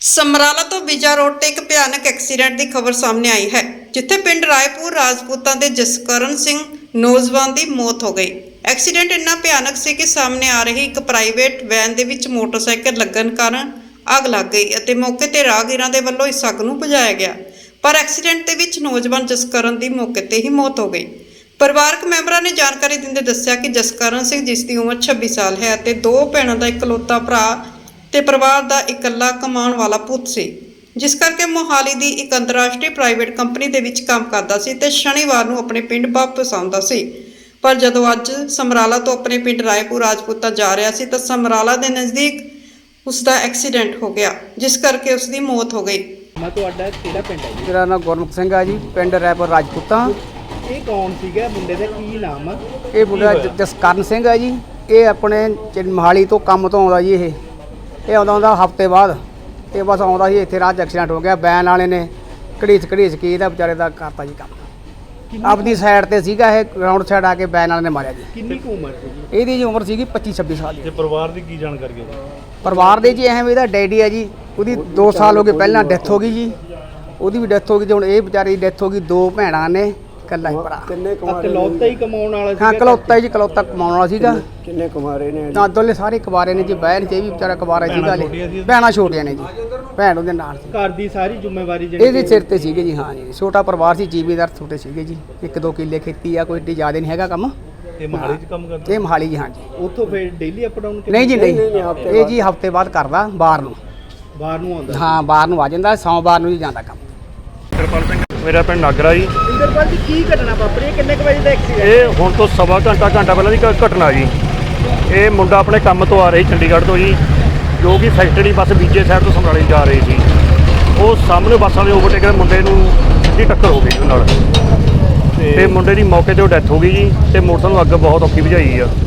ਸਮਰਾਲਾ ਤੋਂ ਬਿਜਾ ਰੋਡ ਤੇ ਇੱਕ ਭਿਆਨਕ ਐਕਸੀਡੈਂਟ ਦੀ ਖਬਰ ਸਾਹਮਣੇ ਆਈ ਹੈ, ਜਿੱਥੇ ਪਿੰਡ ਰਾਏਪੁਰ ਰਾਜਪੂਤਾਂ ਦੇ ਜਸਕਰਨ ਸਿੰਘ ਨੌਜਵਾਨ ਦੀ ਮੌਤ ਹੋ ਗਈ। ਐਕਸੀਡੈਂਟ ਇੰਨਾ ਭਿਆਨਕ ਸੀ ਕਿ ਸਾਹਮਣੇ ਆ ਰਹੀ ਇੱਕ ਪ੍ਰਾਈਵੇਟ ਵੈਨ ਦੇ ਵਿੱਚ ਮੋਟਰਸਾਈਕਲ ਲੱਗਣ ਕਾਰਨ ਅੱਗ ਲੱਗ ਗਈ ਅਤੇ ਮੌਕੇ ਤੇ ਰਾਹਗੀਰਾਂ ਦੇ ਵੱਲੋਂ ਇਸ ਅੱਗ ਨੂੰ ਬੁਝਾਇਆ ਗਿਆ, ਪਰ ਐਕਸੀਡੈਂਟ ਦੇ ਵਿੱਚ ਨੌਜਵਾਨ ਜਸਕਰਨ ਦੀ ਮੌਕੇ ਤੇ ਹੀ ਮੌਤ ਹੋ ਗਈ। ਪਰਿਵਾਰਕ ਮੈਂਬਰਾਂ ਨੇ ਜਾਣਕਾਰੀ ਦਿੰਦੇ ਦੱਸਿਆ ਕਿ ਜਸਕਰਨ ਸਿੰਘ, ਜਿਸ ਦੀ ਉਮਰ 26 ਸਾਲ ਹੈ ਅਤੇ ਦੋ ਭੈਣਾਂ ਦਾ ਇਕਲੌਤਾ ਭਰਾ ਤੇ ਪਰਿਵਾਰ ਦਾ ਇਕੱਲਾ ਕਮਾਉਣ ਵਾਲਾ ਪੁੱਤ ਸੀ, ਜਿਸ ਕਰਕੇ ਮੋਹਾਲੀ ਦੀ ਇੱਕ ਅੰਤਰਰਾਸ਼ਟਰੀ ਪ੍ਰਾਈਵੇਟ ਕੰਪਨੀ ਦੇ ਵਿੱਚ ਕੰਮ ਕਰਦਾ ਸੀ ਤੇ ਸ਼ਨੀਵਾਰ ਨੂੰ ਆਪਣੇ ਪਿੰਡ ਵਾਪਸ ਆਉਂਦਾ ਸੀ। ਪਰ ਜਦੋਂ ਅੱਜ ਸਮਰਾਲਾ ਤੋਂ ਆਪਣੇ ਪਿੰਡ ਰਾਏਪੁਰ ਰਾਜਪੂਤਾਂ ਜਾ ਰਿਹਾ ਸੀ ਤਾਂ ਸਮਰਾਲਾ ਦੇ ਨਜ਼ਦੀਕ ਉਸ ਦਾ ਐਕਸੀਡੈਂਟ ਹੋ ਗਿਆ, ਜਿਸ ਕਰਕੇ ਉਸ ਦੀ ਮੌਤ ਹੋ ਗਈ। ਮੈਂ ਤੁਹਾਡਾ ਕਿਹੜਾ ਪਿੰਡ ਹੈ ਜੀ? ਮੇਰਾ ਨਾਮ ਗੁਰਮੁਖ ਸਿੰਘ ਆ ਜੀ, ਪਿੰਡ ਰਾਏਪੁਰ ਰਾਜਪੂਤਾਂ। ਇਹ ਕੌਣ ਸੀਗਾ ਮੁੰਡੇ ਦਾ, ਕੀ ਨਾਮ ਆ? ਇਹ ਮੁੰਡਾ ਜਸਕਰਨ ਸਿੰਘ ਆ ਜੀ। ਇਹ ਆਪਣੇ ਮੋਹਾਲੀ ਤੋਂ ਕੰਮ ਤੋਂ ਆਉਂਦਾ ਜੀ। ਇਹ ਆਉਂਦਾ ਹਫ਼ਤੇ ਬਾਅਦ ਤੇ ਬਸ ਆਉਂਦਾ ਸੀ, ਇੱਥੇ ਰਾਹ 'ਚ ਐਕਸੀਡੈਂਟ ਹੋ ਗਿਆ। ਵੈਨ ਵਾਲੇ ਨੇ ਘੜੀਸ ਕੇ ਇਹਦਾ ਵਿਚਾਰੇ ਦਾ ਕਰਤਾ ਜੀ ਕੰਮ। ਆਪਣੀ ਸਾਈਡ ਤੇ ਸੀਗਾ, ਇਹ ਗਰਾਊਂਡ ਸਾਈਡ ਆ ਕੇ ਵੈਨ ਵਾਲੇ ਨੇ ਮਾਰਿਆ ਜੀ। ਕਿੰਨੀ ਕੁ ਉਮਰ ਸੀ? ਇਹਦੀ ਜੀ ਉਮਰ ਸੀਗੀ 25-26 ਸਾਲ ਦੀ। ਤੇ ਪਰਿਵਾਰ ਦੀ ਕੀ ਜਾਣਕਾਰੀ ਹੈ? ਪਰਿਵਾਰ ਦੇ ਜੀ ਐਵੇਂ ਇਹਦਾ ਡੈਡੀ ਆ ਜੀ, ਉਹਦੀ 2 ਸਾਲ ਹੋ ਗਏ ਪਹਿਲਾਂ ਡੈਥ ਹੋ ਗਈ ਜੀ। ਉਹਦੀ ਵੀ ਡੈਥ ਹੋ ਗਈ ਤੇ ਹੁਣ ਇਹ ਵਿਚਾਰੇ ਦੀ ਡੈਥ ਹੋ ਗਈ। 2 ਭੈਣਾਂ ਨੇ, ਇਕੱਲਾ ਹੀ ਭਰਾ। ਇਕਲੌਤਾ ਹੀ ਕਮਾਉਣ ਵਾਲਾ ਸੀ? ਹਾਂ, ਇਕਲੌਤਾ ਜੀ, ਇਕਲੌਤਾ ਕਮਾਉਣ ਵਾਲਾ ਸੀਗਾ। ਕਿੰਨੇ ਕੁਮਾਰੇ ਨੇ? ਤਾਂ ਦੋਲੇ ਸਾਰੇ ਕੁਵਾਰੇ ਨੇ ਜੀ। ਬਹਿਣ ਚ ਇਹ ਵੀ ਵਿਚਾਰਾ ਕੁਵਾਰਾ ਸੀਗਾ। ਭੈਣਾਂ ਛੋਟੀਆਂ ਨੇ ਜੀ, ਭੈਣ ਉਹਦੇ ਨਾਲ ਸੀ। ਘਰ ਦੀ ਸਾਰੀ ਜ਼ਿੰਮੇਵਾਰੀ ਇਹਦੇ ਸਿਰ ਤੇ ਸੀਗੇ ਜੀ। ਹਾਂ ਜੀ, ਛੋਟਾ ਪਰਿਵਾਰ ਸੀ, ਜ਼ਿਮੀਂਦਾਰ ਛੋਟੇ ਸੀਗੇ ਜੀ। 1-2 ਕਿੱਲੇ ਖੇਤੀ ਆ, ਕੋਈ ਏਡੀ ਜ਼ਿਆਦਾ ਨਹੀਂ ਹੈਗਾ ਕੰਮ। ਇਹ ਮੋਹਾਲੀ 'ਚ ਕੰਮ ਕਰਦਾ? ਇਹ ਮੋਹਾਲੀ ਜੀ। ਹਾਂ ਜੀ। ਉੱਥੋਂ ਫਿਰ ਡੇਲੀ ਅਪ ਡਾਊਨ? ਨਹੀਂ ਜੀ, ਨਹੀਂ, ਇਹ ਜੀ ਹਫ਼ਤੇ ਬਾਅਦ ਕਰਦਾ, ਬਾਹਰ ਨੂੰ। ਬਾਹਰ ਨੂੰ ਆਉਂਦਾ? ਹਾਂ, ਬਾਹਰ ਨੂੰ ਆ ਜਾਂਦਾ, ਸੋਮਵਾਰ ਨੂੰ ਹੀ ਜਾਂਦਾ ਕੰਮ। ਮੇਰਾ ਪਿੰਡ ਨਾਗਰਾ ਜੀ। ਇੰਦਰਪਾਲ ਜੀ, ਕੀ ਘਟਨਾ ਵਾਪਰੀ? ਕਿੰਨੇ ਕੁ ਵਜੇ ਦਾ ਐਕਸੀਡੈਂਟ? ਇਹ ਹੁਣ ਤੋਂ ਸਵਾ ਘੰਟਾ ਪਹਿਲਾਂ ਦੀ ਘਟਨਾ ਜੀ। ਇਹ ਮੁੰਡਾ ਆਪਣੇ ਕੰਮ ਤੋਂ ਆ ਰਹੀ ਚੰਡੀਗੜ੍ਹ ਤੋਂ ਜੀ, ਜੋ ਕਿ ਫੈਕਟਰੀ ਬੱਸ ਬੀਜੇ ਸਾਈਡ ਤੋਂ ਸਮਰਾਲੇ ਜਾ ਰਹੀ ਸੀ। ਉਹ ਸਾਹਮਣੇ ਬੱਸ ਵਾਲੇ ਓਵਰਟੇਕ ਦੇ ਮੁੰਡੇ ਨੂੰ ਸਿੱਧੀ ਟੱਕਰ ਹੋ ਗਈ ਜੀ ਨਾਲ, ਤੇ ਮੁੰਡੇ ਦੀ ਮੌਕੇ ਤੇ ਡੈਥ ਹੋ ਗਈ ਜੀ। ਤੇ ਮੋਟਰਸਾਈਕਲ ਨੂੰ ਅੱਗ ਬਹੁਤ ਔਖੀ ਬੁਝਾਈ ਆ।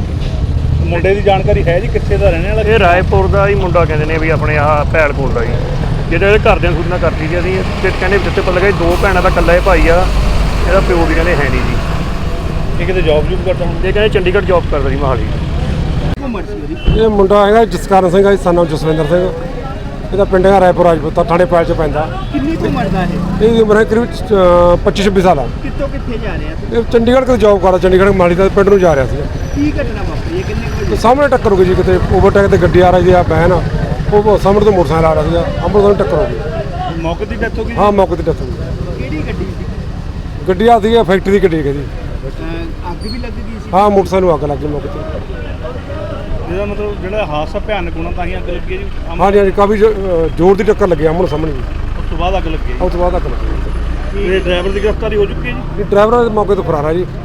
ਮੁੰਡੇ ਦੀ ਜਾਣਕਾਰੀ ਹੈ ਜੀ, ਕਿੱਥੇ ਦਾ ਰਹਿਣ ਵਾਲਾ? ਇਹ ਰਾਏਪੁਰ ਦਾ ਹੀ ਮੁੰਡਾ ਕਹਿੰਦੇ ਨੇ ਵੀ, ਆਪਣੇ ਆਹ ਭੈਲ ਕੋਲ ਦਾ ਜੀ। ਜਿਹੜੇ ਇਹਦੇ ਘਰਦਿਆਂ ਨੂੰ ਸੂਚਨਾ ਕਰਤੀ ਜੀ ਅਸੀਂ, ਤੇ ਕਹਿੰਦੇ ਜਿੱਥੇ ਪਤਾ ਲੱਗਾ 2 ਭੈਣਾਂ ਦਾ ਇਕੱਲਾ ਇਹ ਭਾਈ ਆ, ਇਹਦਾ ਪਿਓ ਵੀ ਕਹਿੰਦੇ ਹੈ ਨਹੀਂ ਜੀ। ਇਹ ਕਿਤੇ ਜੌਬ ਕਰਦਾ ਹੁਣ? ਇਹ ਕਹਿੰਦੇ ਚੰਡੀਗੜ੍ਹ ਜੌਬ ਕਰਦਾ ਜੀ ਮੋਹਾਲੀ। ਉਮਰ ਸੀ ਉਹਦੀ? ਇਹ ਮੁੰਡਾ ਹੈਗਾ ਜਸਕਰਨ ਸਿੰਘ ਆ, son of ਜਸਵਿੰਦਰ ਸਿੰਘ। ਇਹਦਾ ਪਿੰਡ ਹੈ ਰਾਏਪੁਰ ਰਾਜਪੂਤਾਂ, ਥਾਣੇ ਪੈਲ 'ਚ ਪੈਂਦਾ। ਕਿੰਨੀ ਕੁ ਉਮਰ ਦਾ ਇਹ? ਇਹਦੀ ਉਮਰ ਹੈ ਕਰੀਬ 25-26 ਸਾਲ ਆ। ਕਿੱਥੋਂ ਕਿੱਥੇ ਜਾ ਰਿਹਾ ਸੀ? ਇਹ ਚੰਡੀਗੜ੍ਹ ਕੋਲ ਜੌਬ ਕਰਦਾ, ਚੰਡੀਗੜ੍ਹ ਮੋਹਾਲੀ ਦਾ ਪਿੰਡ ਨੂੰ ਜਾ ਰਿਹਾ ਸੀ। ਕੀ ਘਟਨਾ ਵਾਪਰੀ? ਕਿੰਨੇ ਕੁ ਤੇ ਵਜੇ? ਸਾਹਮਣੇ ਟੱਕਰ ਹੋ ਗਈ ਜੀ, ਕਿਤੇ ਓਵਰਟੇਕ ਤੇ ਗੱਡੀ ਆ ਰਹੀ ਸੀ, ਆ ਵੈਨ ਆ, ਉਹ ਸਾਹਮਣੇ ਤੋਂ ਮੋਟਰਸਾਈਕਲ ਆ ਰਿਹਾ ਸੀਗਾ, ਅੰਮ੍ਰਿਤਸਰ ਨੂੰ ਟੱਕਰ ਹੋ ਗਈ। ਮੌਕੇ ਦੀ ਡੈਥ ਹੋ ਗਈ? ਹਾਂ, ਮੌਕੇ ਤੇ ਡੈਥ ਹੋ ਗਈ। ਕਿਹੜੀ ਗੱਡੀ ਸੀ? ਗੱਡੀ ਆ ਸੀਗੀ ਫੈਕਟਰੀ ਦੀ ਗੱਡੀ ਹੈਗੀ। ਅੱਗ ਵੀ ਲੱਗ ਗਈ ਸੀ? ਹਾਂ, ਮੋਟਰਸਾਈਕਲ ਨੂੰ ਅੱਗ ਲੱਗ ਗਈ ਮੌਕੇ ਤੇ। ਇਹਦਾ ਮਤਲਬ ਜਿਹੜਾ ਹਾਦਸਾ ਭਿਆਨਕ ਹੋਣਾ ਤਾਂ ਹੀ ਅੱਗ ਲੱਗੀ ਹੈ ਜੀ? ਹਾਂਜੀ ਹਾਂਜੀ, ਕਾਫੀ ਜ਼ੋਰ ਦੀ ਟੱਕਰ ਲੱਗੀ ਆਮਣ ਸਾਹਮਣੇ ਜੀ। ਉਸ ਤੋਂ ਬਾਅਦ ਅੱਗ ਲੱਗੀ ਹੈ। ਉਸ ਤੋਂ ਬਾਅਦ ਅੱਗ ਲੱਗੀ। ਇਹ ਡਰਾਈਵਰ ਦੀ ਗ੍ਰਿਫਤਾਰੀ ਹੋ ਚੁੱਕੀ ਹੈ ਜੀ? ਡਰਾਈਵਰ ਮੌਕੇ ਤੋਂ ਫਰਾਰ ਆ ਜੀ।